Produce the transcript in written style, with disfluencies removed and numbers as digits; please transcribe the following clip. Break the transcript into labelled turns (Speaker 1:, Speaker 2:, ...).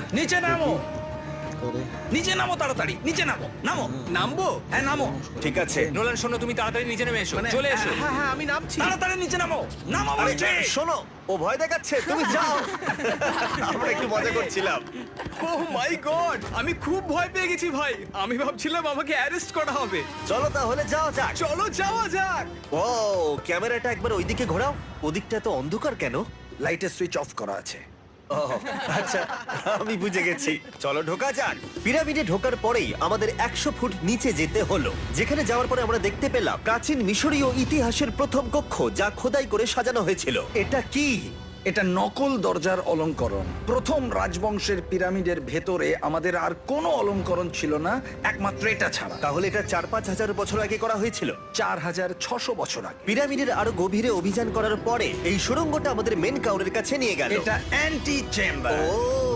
Speaker 1: নিচে নামো, নিচে নামো, তাড়াতাড়ি নিচে নামো, নামো।
Speaker 2: নামবো?
Speaker 1: হ্যাঁ নামো,
Speaker 3: ঠিক আছে।
Speaker 4: নোলান শোনো, তুমি তাড়াতাড়ি নিচে নেমে এসো, চলে এসো।
Speaker 2: হ্যাঁ হ্যাঁ আমি নামছি।
Speaker 1: তাড়াতাড়ি নিচে নামো, নামো
Speaker 3: আরে,
Speaker 1: বলছি।
Speaker 3: শোনো, ও ভয় দেখাচ্ছে, তুমি যাও। আমরা একটু মজা করছিলাম।
Speaker 2: ও মাই গড, আমি খুব ভয় পেয়ে গেছি ভাই। আমি ভাবছিলাম আমাকে অ্যারেস্ট করা হবে।
Speaker 3: চলো তাহলে যাও যাক।
Speaker 2: চলো যাওয়া যাক।
Speaker 3: ও, ক্যামেরাটা একবার ওইদিকে ঘোরাও। ওদিকটা তো অন্ধকার কেন?
Speaker 1: লাইটের সুইচ অফ করা আছে।
Speaker 3: ও আচ্ছা, আমি বুঝে গেছি। চলো ঢোকা যাক। পিরামিডে ঢোকার পরেই আমাদের 100 ফুট নিচে যেতে হলো, যেখানে যাওয়ার পরে আমরা দেখতে পেলাম প্রাচীন মিশরীয় ইতিহাসের প্রথম কক্ষ, যা খোদাই করে সাজানো হয়েছিল। এটা কি?
Speaker 1: এটা নকল দরজার অলঙ্করণ। প্রথম রাজবংশের পিরামিডের ভেতরে আমাদের আর কোনো অলঙ্করণ ছিল না, একমাত্র এটা ছাড়া।
Speaker 3: তাহলে এটা 4-5 হাজার বছর আগে করা হয়েছিল।
Speaker 1: 4600 বছর আগে।
Speaker 3: পিরামিডের আরো গভীরে অভিযান করার পরে এই সুড়ঙ্গটা আমাদের মেন কাউরের কাছে নিয়ে গেল।
Speaker 1: এটা অ্যান্টি চেম্বার।
Speaker 3: ও